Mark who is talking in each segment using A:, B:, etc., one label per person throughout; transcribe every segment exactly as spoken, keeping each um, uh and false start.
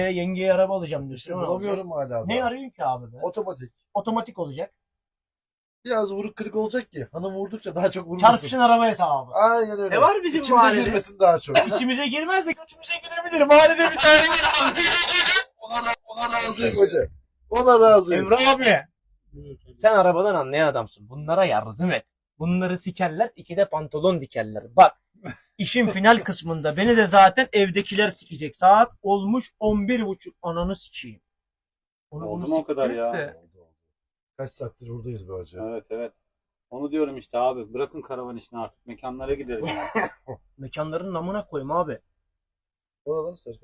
A: Yengeye araba alacağım diyorsun.
B: İşte
A: Onu
B: bulamıyorum
A: alacağım.
B: hala.
A: Ne
B: daha.
A: arıyorsun ki abi be?
B: Otomatik.
A: Otomatik olacak.
B: Biraz vuruk kırık olacak ki. Hanım vurdukça daha çok vurmasın.
A: Çarpışın araba hesabı.
B: Aynen öyle.
A: Ne var bizim
B: İçimize
A: mahallede?
B: girmesin daha çok.
A: İçimize girmez de götümüze girebilir. Mahallede bir tane var.
B: ona, ra- ona razıyım hoca. Ona razıyım.
A: Emre abi. Sen arabadan anlayan adamsın. Bunlara yardım et. Bunları sikerler, ikide pantolon dikerler. Bak, işin final kısmında beni de zaten evdekiler sikecek. Saat olmuş on bir buçuk. Ananı sikeyim. Onu,
C: Oldu
A: onu
C: mu o kadar
A: siktir
C: ya?
A: de.
B: Oldu, oldu. Kaç saattir buradayız be hoca.
C: Evet evet. Onu diyorum işte abi. Bırakın karavan işini artık. Mekanlara gidelim. ya.
A: Mekanların namına koyayım abi.
B: Oradan Serkan.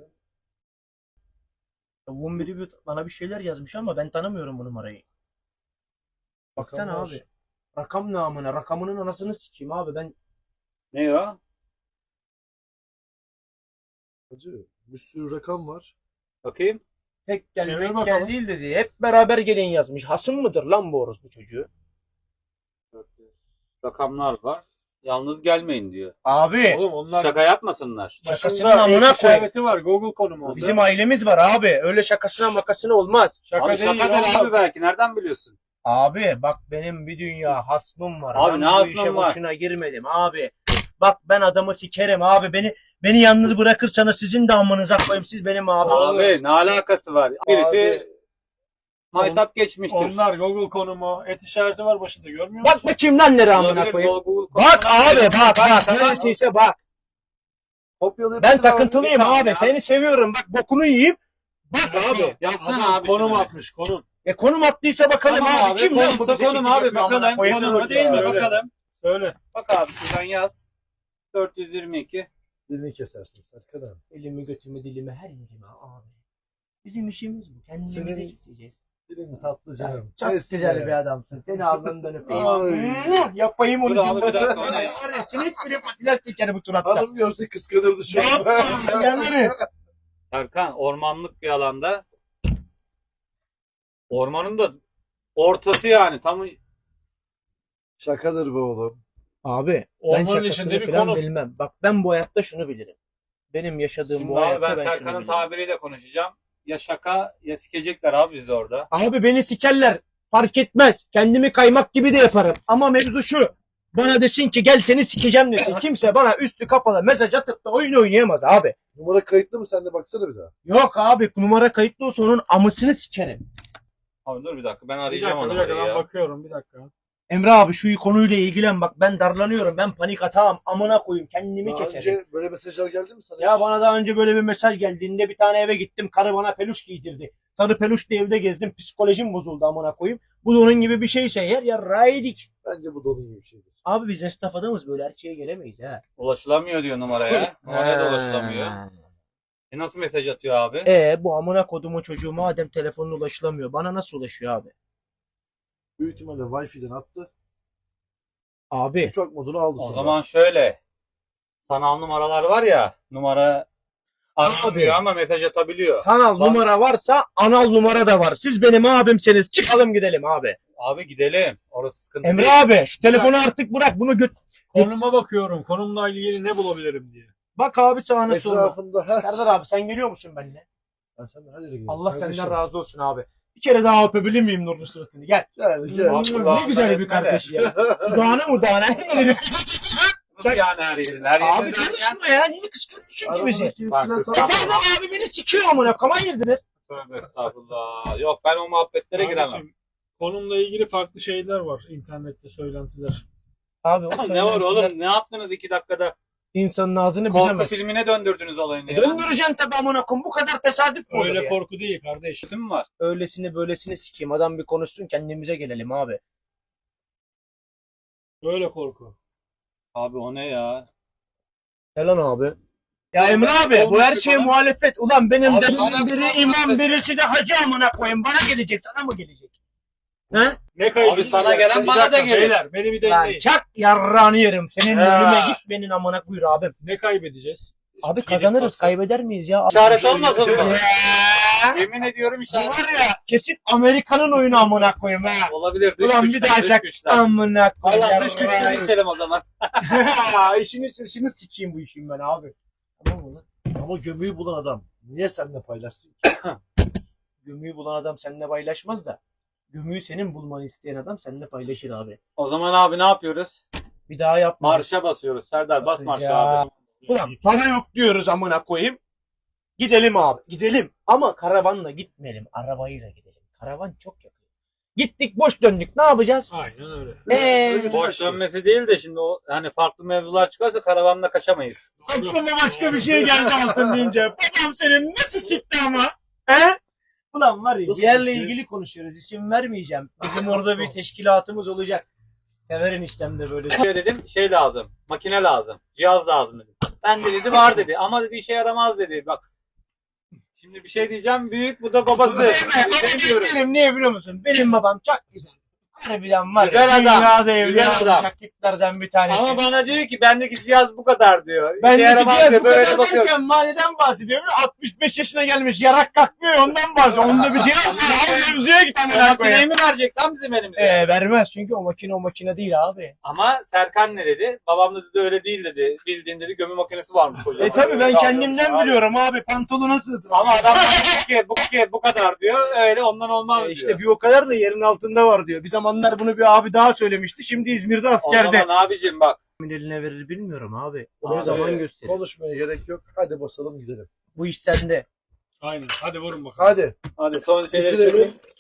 A: Tavuğun biri bir- bana bir şeyler yazmış ama ben tanımıyorum bu numarayı. Baksana
B: Rakam var.
A: abi. Rakam namına. Rakamının anasını sikeyim abi. Ben
C: Ne o?
B: Hacı bir sürü rakam var.
C: Bakayım.
A: tek gel,
D: Çevir
A: tek
D: bakalım.
A: gel değil dedi. Hep beraber gelin yazmış. Hasım mıdır lan bu orospu çocuğu?
C: Rakamlar var. Yalnız gelmeyin diyor.
A: Abi.
D: Oğlum onlar
C: Şaka yapmasınlar.
A: Şakasının
D: başında
A: amına
D: ek
A: koy.
D: işareti var. Google konumu oldu.
A: Bizim ailemiz var abi. Öyle şakasına makasına olmaz.
D: şaka
C: Abi
D: değil.
C: şaka der
D: oğlum.
C: abi belki. Nereden biliyorsun?
A: Abi bak benim bir dünya hasmım var.
C: Abi
A: ben
C: ne
A: bu
C: hasmın
A: işe
C: var?
A: boşuna girmedim abi. Bak ben adamı sikerim abi. Beni beni yalnız bırakırsanız sizin de amınıza koyayım. Siz benim abi.
C: Abi ne alakası var? Birisi
B: Abi,
C: maytap geçmiştir.
D: Onlar Google konumu. Et işareti var başında görmüyor musun?
A: Bak bakayım lan nereye amına
C: Olabilir,
A: koyayım.
C: Google
A: Bak
C: konusuna-
A: abi bak bak.
C: sana-
A: Neresiyse bak.
B: Kopyalayıp
A: Ben
B: atın abi.
A: takıntılıyım
C: tamam
A: abi.
C: ya.
A: Seni seviyorum. Bak bokunu yiyeyim. Bak abi.
C: Yazsana
D: Adam
C: abi
D: konum
C: şunu.
D: atmış konum.
A: E konum attıysa bakalım
C: Tamam
A: abi.
C: abi.
A: Kim lan bu
C: Konumsa
A: bize
C: konum
A: şekil
C: abi.
A: yapıyor amına
C: Bakalım.
A: koyayım?
C: Konum değil mi?
B: ya.
C: Bakalım.
D: Söyle.
C: Bak abi şuradan yaz. dört yüz yirmi iki.
B: Dilini kesersin Serkan abi.
A: Elimi götümü dilimi her yerime abi. Bizim işimiz bu. Kendimize
B: Senin-
A: gideceğiz.
B: Dilin tatlı canım.
A: Çok
B: Eski
A: güzel
B: ya.
A: bir adamsın. Seni alnından öpeyim.
B: Ay.
A: Hmm, Yapayım onu
C: Dur abi, bir dakika,
A: cümleten.
C: onu yap.
A: Var ya, sinek bile patiler çeker bu turatta.
B: Hanım görse kıskanırdı şu an.
A: Yapma. Yanarız.
C: Serkan ormanlık bir alanda. Ormanın da ortası yani. Tam
B: Şakadır be oğlum.
A: Abi ben
D: Ormanın
A: şakasını
D: içinde bir
A: falan
D: konu.
A: bilmem. Bak ben bu hayatta şunu bilirim. Benim yaşadığım
C: Şimdi
A: bu
C: abi
A: hayatta
C: ben
A: ben, şunu
C: Serkan'ın
A: bilirim.
C: tabiriyle konuşacağım. Ya şaka ya sikecekler abi bizi orada.
A: Abi beni sikerler. Fark etmez. Kendimi kaymak gibi de yaparım. Ama mevzu şu. Bana desin ki gel seni sikeceğim desin. Kimse bana üstü kapalı mesaj atıp da oyun oynayamaz abi.
B: Numara kayıtlı mı? Sen de baksana bir daha.
A: Yok abi numara kayıtlı olsa onun amısını sikerim.
C: Abi dur bir dakika ben
D: Bir
C: arayacağım
D: dakika bir
C: onu
D: dakika
C: orayı
D: ben
C: ya.
D: bakıyorum bir dakika.
A: Emre abi şu konuyla ilgilen bak ben darlanıyorum. Ben panik atağım. Amına koyayım kendimi
B: Daha
A: keserim.
B: önce böyle mesajlar geldi mi sana?
A: Ya
B: hiç?
A: bana daha önce böyle bir mesaj geldiğinde bir tane eve gittim. Karı bana peluş giydirdi. Sarı peluşla evde gezdim. Psikolojim bozuldu amına koyayım. Bu da onun gibi bir şeyse yer ya raydik.
B: Bence bu dolu gibi bir şeydir.
A: Abi biz esnaf adamız böyle her şeye gelemeyiz ha.
C: Ulaşılamıyor diyor numaraya. Numaraya da ulaşılamıyor. E nasıl mesaj atıyor abi?
A: E bu amına kodumun çocuğu madem telefonuna ulaşılamıyor. Bana nasıl ulaşıyor abi?
B: Büyük ihtimalle Wi-Fi'den attı.
A: Abi
B: Uçak modunu aldı
C: O
B: sonra.
C: zaman şöyle. Sanal numaralar var ya. Numara aramıyor ama mesaj atabiliyor.
A: sanal
C: Var.
A: numara varsa anal numara da var. Siz benim abimseniz çıkalım gidelim abi.
C: Abi gidelim. Orası sıkıntı
A: Emre
C: değil.
A: abi şu telefonu artık bırak bunu göt.
D: Konuma bakıyorum. Konumla ilgili ne bulabilirim diye.
A: Bak abi sağına soluna.
B: Etrafında her...
A: Serdar abi sen geliyor musun benimle?
B: Ben senden her yere giderim.
A: Allah
B: Kardeşim.
A: senden razı olsun abi. Bir kere daha öpebilir miyim Nurlu suratını? Gel.
B: Gel gel.
C: Abi,
A: ne
C: kulağımdan
A: güzel bir
C: etme de.
A: kardeş ya. Dudağına mudağına.
C: Nasıl yani her yerin? Her yerin
A: Abi
C: derken-
A: konuşma ya. Niye kıskanıyorsun ki bizi?
B: Aramızdaki
C: Bak,
B: ilişkiden
A: Ya
B: sana...
A: Serdar abi beni sikiyor amına. Kaman yediler.
C: Tövbe estağfurullah. Yok ben o muhabbetlere giremem.
D: Kardeşim, konumla ilgili farklı şeyler var internette söylentiler.
A: Abi o
C: Ne var
A: söylentiler
C: oğlum? Ne yaptınız iki dakikada?
A: İnsanın ağzını
C: Korku
A: büzemez.
C: filmine döndürdünüz olayını ya.
A: Döndüreceksin tabi amına koyayım. Bu kadar tesadüf mü olur
D: Öyle
A: ya?
D: korku değil kardeş.
C: İsim mi var?
A: Öylesini böylesini sikeyim. Adam bir konuşsun kendimize gelelim abi.
D: Öyle korku.
C: Abi o ne ya?
A: Ne lan abi? Ya Emre abi bu her şeye muhalefet. Ulan benim
C: Abi,
A: dedemin
C: bana-
A: biri imam birisi de hacı amına koyayım. Bana gelecek sana mı gelecek? He?
D: Ne kaydı?
C: Abi sana gelen
D: Bir
C: bana da
D: dakika,
C: gelir.
D: Beyler beni bir
A: Lan
D: dinleyin.
A: çak yarrağını yerim. Senin
C: Ha.
A: önüme git benim amına buyur abim.
D: Ne kaybedeceğiz?
A: Abi kazanırız kaybeder miyiz ya?
C: İşaret olmasın mı?
A: Ya.
C: Yemin ediyorum
A: Bu
C: işaret.
A: var ya kesin Amerika'nın oyunu amına koyayım ha.
C: Olabilir. Dış
A: Ulan bir
C: güçler,
A: daha
C: dış
A: çak
C: güçler.
A: amına koyayım.
C: Allah dış güçleri içelim o zaman.
A: İşini işini sikeyim bu işin ben abi.
B: Tamam mı lan? Ama gömüyü bulan adam. Niye seninle paylaşsın ki?
A: Gömüyü bulan adam seninle paylaşmaz da. Gömüyü senin bulmanı isteyen adam seninle paylaşır abi.
C: O zaman abi ne yapıyoruz?
A: Bir daha yapma.
C: Marşa basıyoruz. Serdar bas marşa
A: Basacağım.
C: abi.
A: Ulan para yok diyoruz amına koyayım. Gidelim abi. Gidelim. Ama karavanla gitmeyelim. Arabayla gidelim. Karavan çok yakın. Gittik boş döndük. Ne yapacağız?
D: Aynen öyle.
A: Eee
C: Boş dönmesi değil de şimdi o hani farklı mevzular çıkarsa karavanla kaçamayız.
A: aklıma başka bir şey geldi altın deyince. Babam senin nasıl sikti ama? He? Ulan var ya
B: Nasıl
A: bir yerle
B: sikti?
A: ilgili konuşuyoruz. İsim vermeyeceğim. Bizim orada bir teşkilatımız olacak. Severin işlemde böyle.
C: Şey dedim şey lazım. Makine lazım. Cihaz lazım dedim. Ben de dedi var dedi. Ama dedi işe yaramaz dedi. Bak. Şimdi bir şey diyeceğim. Büyük bu da babası. Demiyorum.
A: Benim niye biliyor musun? Benim babam çok güzel. Harbiden var
C: Güzel
A: ya.
C: adam,
A: Dünyada
C: güzel
A: evli
C: adam.
A: olacak tiplerden bir tanesi.
C: Ama bana diyor ki bendeki cihaz bu kadar diyor.
A: Ben
C: İşe
A: de
C: yaramaz
A: gidiyor
C: diyor.
A: bu
C: Böyle
A: kadar
C: bakıyorum.
A: derken mahalleden bahsediyorum. altmış beş yaşına gelmiş yarak kalkmıyor ondan bahsediyor. Onda bir cihaz var. Al mevzuya git amına
C: Makineyi
A: koyayım.
C: mi verecek lan bizim elimize?
A: Ee, vermez çünkü o makine o makine değil abi.
C: Ama Serkan ne dedi? Babam da dedi öyle değil dedi. Bildiğin dedi gömü makinesi varmış kocaman.
A: E tabi ben
C: Öyle
A: kendimden
C: alıyormuş abi.
A: biliyorum abi pantolona sığdır.
C: Ama adam bana bu ki bu ki bu kadar diyor. Öyle ondan olmaz
A: E
C: diyor.
A: işte bir o kadar da yerin altında var diyor. Bir zamanlar bunu bir abi daha söylemişti. Şimdi İzmir'de
C: O
A: askerde.
C: zaman abicim bak.
A: Kimin eline verir bilmiyorum abi. O
C: Abi,
A: ne zaman gösterir.
B: Konuşmaya gerek yok. Hadi basalım gidelim.
A: Bu iş sende.
D: Aynen. Hadi vurun bakalım.
B: Hadi.
C: Hadi son şeyleri
B: Bitirelim.
C: çekin.